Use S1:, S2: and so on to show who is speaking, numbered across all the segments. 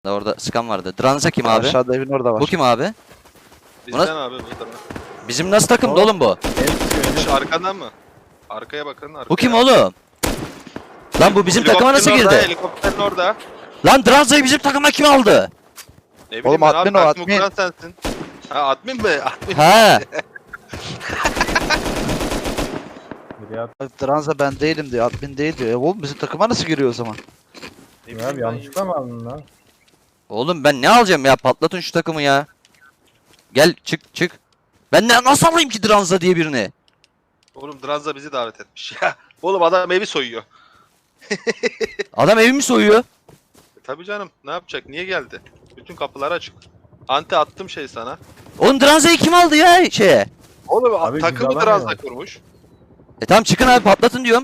S1: Orada sıkan vardı. Dranza kim abi?
S2: Aşağıda evin orada var.
S1: Bu kim abi?
S3: Bizden abi bu tarafa.
S1: Bizim nasıl takımda oğlum bu?
S3: Şu arkadan mı? Arkaya bakın. Arkaya.
S1: Bu kim oğlum? Lan bu bizim takıma nasıl
S3: Helikopterin orada,
S1: girdi?
S3: Helikopterin orada.
S1: Lan Dranza'yı bizim takıma kim aldı?
S3: Ne bileyim
S2: Oğlum
S3: ben
S2: admin
S3: abi,
S2: o,
S3: takımı
S2: admin.
S3: kuran sensin. Ha admin mi? Admin.
S1: He.
S2: Dranza ben değilim diyor. Admin değil diyor. Oğlum bizim takıma nasıl giriyor o zaman?
S3: Ne
S4: Ya
S3: bileyim
S4: abi
S3: ben
S4: yanlışlıkla mı aldın lan?
S1: Oğlum ben ne alacağım ya? Patlatın şu takımı ya. Gel çık. Ben nasıl alayım ki Dranza diye birini?
S3: Oğlum Dranza bizi davet etmiş ya. Oğlum adam evi soyuyor.
S1: Adam evimi soyuyor.
S3: Tabii canım. Ne yapacak? Niye geldi? Bütün kapılar açık. Anti attım şey sana.
S1: Oğlum Dranza'yı kim aldı ya şeye?
S3: Oğlum
S4: Abi biz
S3: takımı
S4: alamıyoruz.
S3: Dranza kurmuş.
S1: Tamam çıkın abi patlatın diyorum.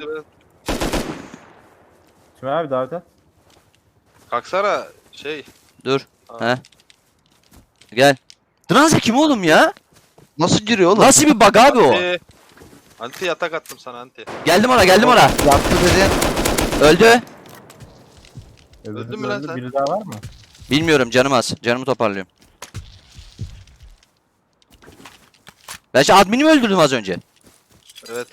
S4: Şimdi abi davet et.
S3: Kalksana şey.
S1: Dur.
S3: Aa.
S1: He. Gel. Dranza kim oğlum ya?
S2: Nasıl giriyor oğlum?
S1: Nasıl bir bug abi o?
S3: Anti yatak attım sana anti.
S1: Geldim ona.
S2: Yaptı dediğin.
S1: Öldü.
S3: Öldün mü lan sen?
S4: Biri daha var mı?
S1: Bilmiyorum canım az. Canımı toparlıyorum. Ben şu admini mi öldürdüm az önce?
S3: Evet.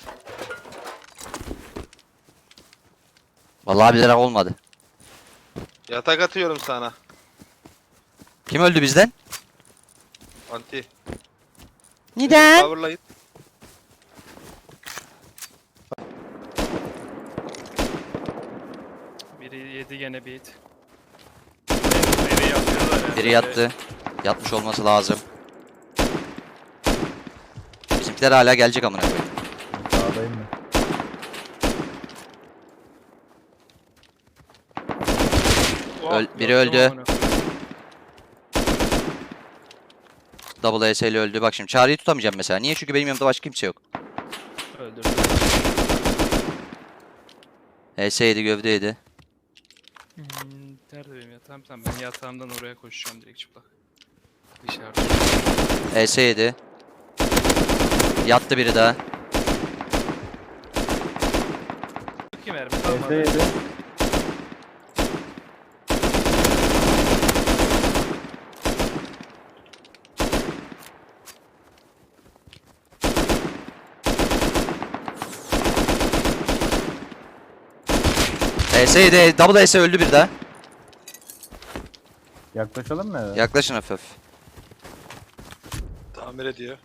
S1: Vallahi bilerek olmadı.
S3: Yatak atıyorum sana.
S1: Kim öldü bizden?
S3: Anti.
S1: Neden?
S3: Power'la git.
S5: Biri yedi gene beat. Biri yapıyorlar ya.
S1: Biri yattı. Yatmış olması lazım. Bizimkiler hala gelecek amına koyayım.
S4: Sağdayım mı?
S1: Biri öldü. Double AS'li öldü. Bak şimdi Çağrı'yı tutamayacağım mesela. Niye? Çünkü benim yanımda başka kimse yok.
S5: Öldürdü.
S1: AS'ydi, gövdeydi.
S5: Nerede benim yatağım? Tamam ben yatağımdan oraya koşacağım direkt çıplak. Dışarıda.
S1: AS'ydi. Yattı biri daha.
S5: Çok iyi mermi
S4: ES
S5: kalmadı.
S4: yedi.
S1: AS'ydi. Double AS öldü bir daha.
S4: Yaklaşalım mı eve?
S1: Yaklaşın hafif.
S3: Tamir ediyor.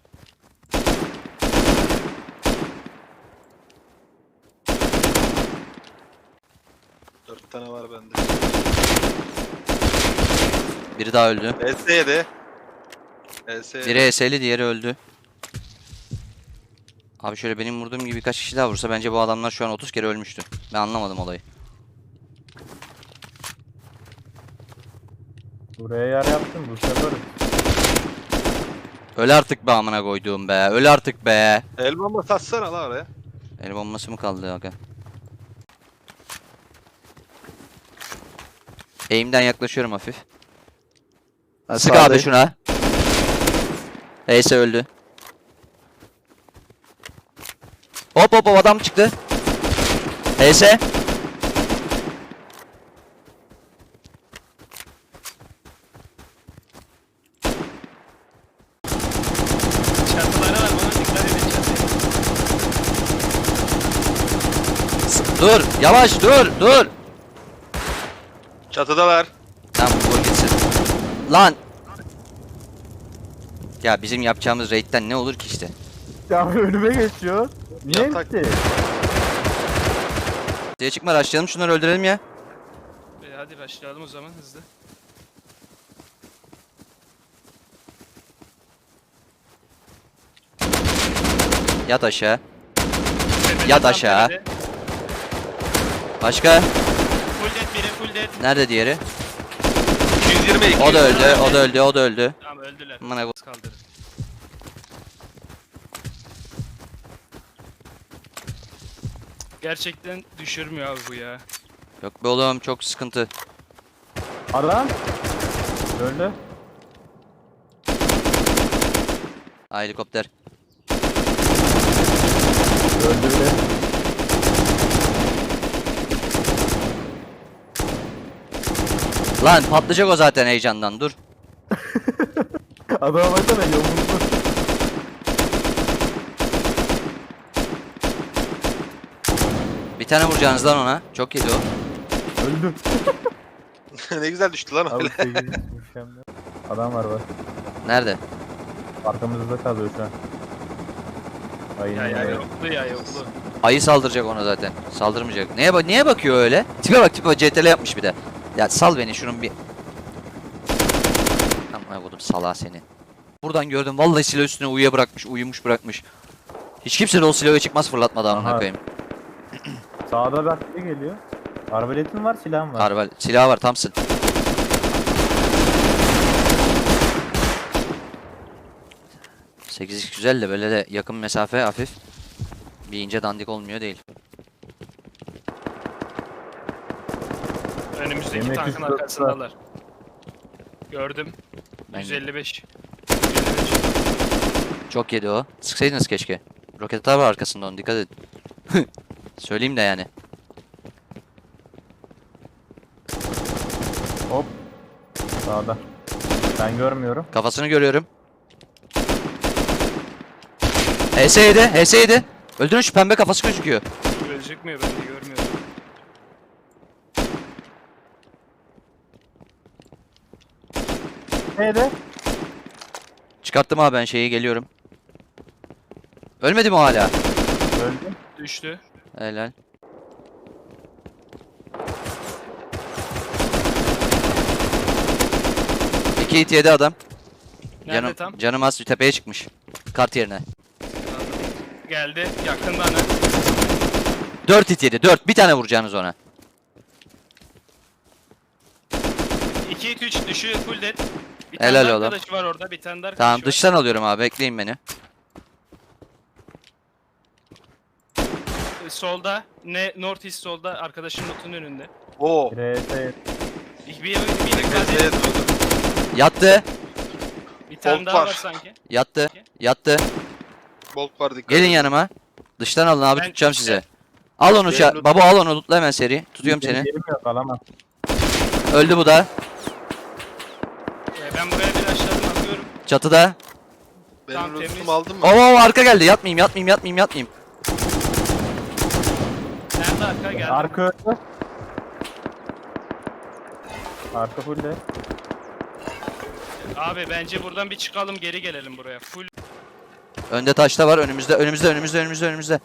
S3: Dört tane var bende.
S1: Biri daha öldü.
S3: ES7. ES7.
S1: Biri AS'li, diğeri öldü. Abi şöyle benim vurduğum gibi birkaç kişi daha vursa bence bu adamlar şu an 30 kere ölmüştü. Ben anlamadım olayı.
S4: Buraya yer yaptım bu sefer.
S1: Öl artık be amına koyduğum be. Öl artık be.
S3: El bomba satsana la oraya.
S1: El bombası mı kaldı aga? Aim'den yaklaşıyorum hafif.
S2: Ha,
S1: Sık
S2: sağdayım.
S1: abi şuna. Ace öldü. Hop adam çıktı. Ace.
S5: Çatılara var bana dikkat edin çatıya.
S1: Dur yavaş dur.
S3: Çatıdalar.
S1: Tamam vur gitsin. Lan. Ya bizim yapacağımız raid'den ne olur ki işte.
S4: Ya önüme geçiyor. Niye
S3: Yatak.
S4: gitti?
S1: Diye çıkma rushlayalım şunları öldürelim ya.
S5: Hadi başlayalım o zaman hızlı.
S1: Yat aşağı.
S5: Tepede
S1: Yat
S5: tam
S1: aşağı.
S5: tepede.
S1: Başka?
S5: Full dead biri full dead.
S1: Nerede diğeri?
S3: 222.
S1: O da öldü.
S5: Tamam öldüler.
S1: Amına koy-
S5: Kaldırın. Gerçekten düşürmüyor abi bu ya.
S1: Yok be oğlum çok sıkıntı.
S4: Adam. Öldü.
S1: Ha, helikopter.
S4: Öldü bile.
S1: Lan patlayacak o zaten heyecandan, dur.
S4: Adama baksana yumruklu.
S1: Bir tane vuracaksınız lan ona. Çok yedi o.
S4: Öldüm.
S3: Ne güzel düştü lan
S4: Abi
S3: öyle.
S4: 8 mükemmel. Adam var bak.
S1: Nerede?
S4: Arkamızda kalıyor şu an. Aynen
S5: Ya
S4: öyle.
S5: yoklu ya yoklu.
S1: Ayı saldıracak ona zaten. Saldırmayacak. Niye bakıyor öyle? Tipe bak, tipe CTL yapmış bir de. Ya sal beni şunun bir. Aman kodum salağı seni. Buradan gördüm vallahi silah üstüne uyumuş bırakmış. Hiç kimse de o silahı çıkmaz fırlatmadan amına
S4: Aha.
S1: koyayım.
S4: Sağda bir geliyor. Arbaletin var, silahın var.
S1: Harbi silahı var, Thompson. Sekiz güzel de böyle de yakın mesafe hafif. Bir ince dandik olmuyor değil.
S5: Önümüzdeki
S4: Yemek
S5: tankın
S4: üstü
S5: arkasındalar. Gördüm.
S1: Ben-
S5: 155.
S1: Çok yedi o. Sıksaydınız keşke. Roket atar var arkasında, onu dikkat edin. Söyleyeyim de yani.
S4: Hop. Sağda. Ben görmüyorum.
S1: Kafasını görüyorum. HS7, HS7. Öldürün, şu pembe kafası gözüküyor.
S5: Gözükmüyor, ben de görmüyorum.
S4: Neydi?
S1: Çıkarttım abi ben şeyi, geliyorum. Ölmedi mi o hala?
S4: Öldü.
S5: Düştü.
S1: Helal. İki hit yedi adam.
S5: Nerede tam?
S1: Canım az tepeye çıkmış. Kart yerine.
S5: Geldi. Yakın bana.
S1: 4 hit yedi. 4. Bir tane vuracaksınız ona.
S5: 2 3 düşü full dead. Bir
S1: Helal
S5: tane daha
S1: oğlum.
S5: arkadaşı var orada. Bir tane daha arkadaşı
S1: Tamam,
S5: var.
S1: dıştan alıyorum abi. Bekleyin beni.
S5: Solda. Ne North East solda. Arkadaşın notun önünde.
S3: Oo.
S4: RS.
S5: Bir
S3: Ezeye durdu.
S1: Yattı.
S5: Bir tane
S3: Bolt
S5: daha
S3: var.
S5: var sanki.
S1: Yattı. Yattı.
S3: Bolt var, dikkat.
S1: Gelin
S3: edin.
S1: yanıma. Dıştan alın abi,
S5: Ben-
S1: tutacağım size. Al onu
S3: Benim loot-
S1: baba, al onu lootla hemen seri. Tutuyorum seni.
S4: Yerim yok, alamam.
S1: Öldü bu da.
S5: Ben buraya bir aşağıdan atıyorum.
S1: Çatıda.
S3: Benim
S5: Tamam,
S3: lootumu
S5: temiz.
S3: aldın mı?
S1: Oo, arka geldi. Yatmayayım.
S5: Nerede arka geldi?
S4: Arka öldü. Arka full de.
S5: Abi bence buradan bir çıkalım, geri gelelim buraya. Full
S1: Önde taşta var. Önümüzde.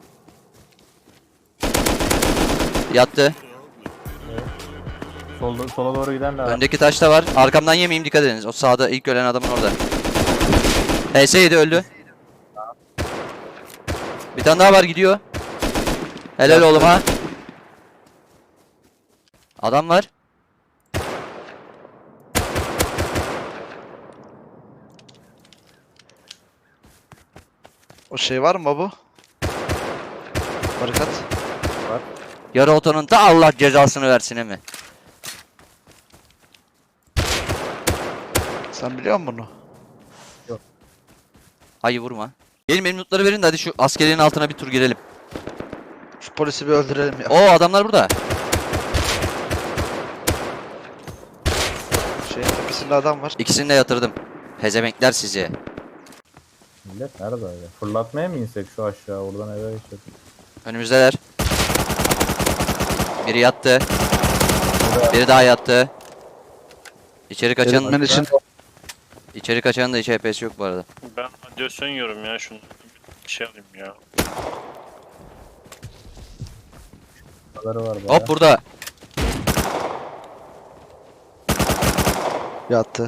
S1: Yattı.
S4: Sola doğru giden de var.
S1: Öndeki taşta var. Arkamdan yemeyeyim, dikkat ediniz. O sağda ilk ölen adamın orada. HS7 öldü. Bir tane daha var, gidiyor. Helal oğlum ha. Adam var.
S2: O şey var mı bu? Barikat.
S1: Yarı otonun da Allah cezasını versin mi?
S2: Sen biliyor musun bunu?
S1: Hayır, vurma. Benim lootları verin de hadi şu askeriyenin altına bir tur girelim.
S2: Şu polisi bir öldürelim ya.
S1: Oo, adamlar burada.
S2: Şeyin tepesinde adam var.
S1: İkisini de yatırdım. Pezevenkler sizi.
S4: Millet nerede öyle? Fırlatmaya mı insek şu aşağı? Oradan eve geçelim.
S1: Önümüzdeler. Biri yattı. Biri daha yattı. İçeri kaçanın
S2: Elimin için
S1: içeri kaçanın da hiç HP'si yok bu arada.
S6: Ben radyasyon yiyorum ya şunu. Bir şey alayım ya.
S4: Kafaları var bayağı.
S1: Hop, burada.
S2: yattı.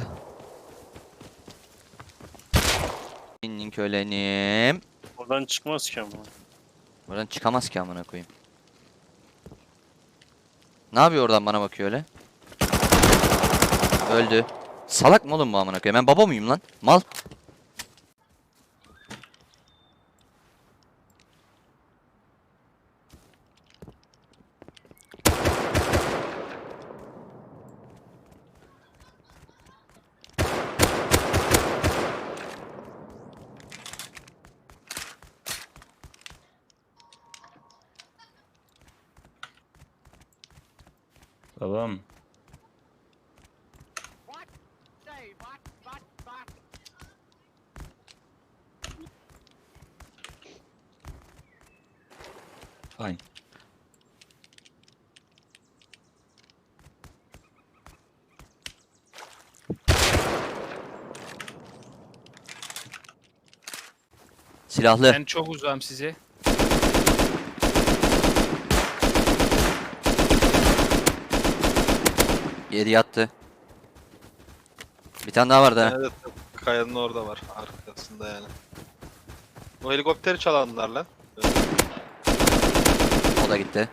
S1: İnnin kölenim.
S6: Oradan çıkmaz ki ama.
S1: Buradan çıkamaz ki amına koyayım. Ne yapıyor oradan, bana bakıyor öyle? Öldü. Salak mı oğlum bu amına koyayım? Ben baba mıyım lan? Mal.
S7: Babam.
S1: Fine. Silahlı.
S5: Ben çok uzağım size.
S1: Yedi yattı. Bir tane daha vardı ha.
S3: Evet, kayanın orada var arkasında yani. O helikopteri çalanlar lan.
S1: O da gitti.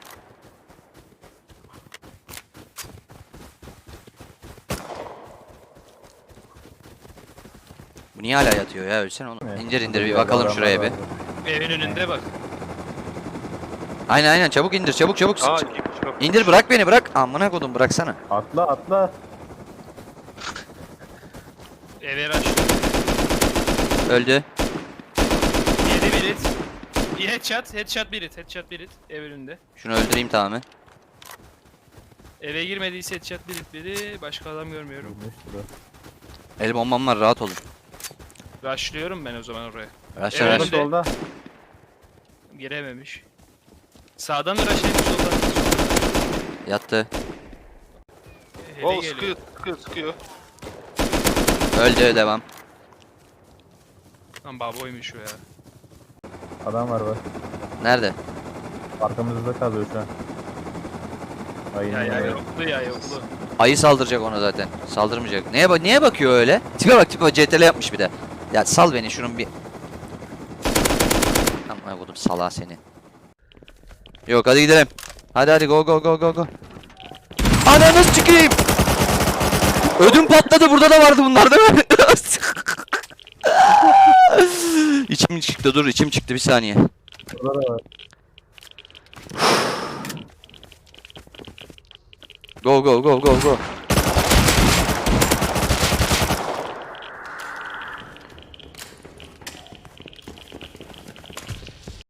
S1: Bu niye hala yatıyor ya? Ölsene onu.
S4: Evet.
S1: İndir indir bir
S4: Diğer
S1: bakalım
S4: adamlar
S1: şuraya bir.
S4: vardı.
S5: Evin önünde bak.
S1: Aynen aynen çabuk indir çabuk çabuk.
S3: Aa, iki kişi kapı.
S1: İndir bırak beni bırak. Amına kodum bıraksana.
S4: Atla atla.
S5: Eve rush.
S1: Öldü.
S5: Yedi bir hit. Bir headshot. Headshot bir hit. Headshot bir hit. Ev önünde.
S1: Şunu öldüreyim tamamen.
S5: Eve girmediyse headshot bir hit biri. Başka adam görmüyorum.
S4: Vurmuştu.
S1: El bombam var rahat olun.
S5: Rushlıyorum ben o zaman oraya.
S1: Raşla
S5: Evet.
S1: raş.
S4: Solda solda.
S5: Girememiş. Sağdan da rushlaymış soldan.
S1: Yattı.
S5: Eve
S3: Oo,
S5: geliyor.
S3: sıkıyor sıkıyor sıkıyor.
S1: Öldü devam.
S5: Lan baboymuş o ya.
S4: Adam var bak.
S1: Nerede?
S4: Arkamızda kalıyor şu an. Ay,
S5: Ya
S4: yine
S5: yoklu ya yoklu.
S1: Ayı saldıracak ona zaten. Saldırmayacak. Niye bakıyor öyle? Tipe bak tipe CTRL yapmış bir de. Ya sal beni şunun bir. Amına kodum salağı seni. Yok hadi gidelim. Hadi go go go go go. Ananı çıkayım. Ödüm patladı burada da vardı bunlar değil mi? İçim çıktı dur içim çıktı bir saniye.
S4: Burada da var.
S1: Go go go go go.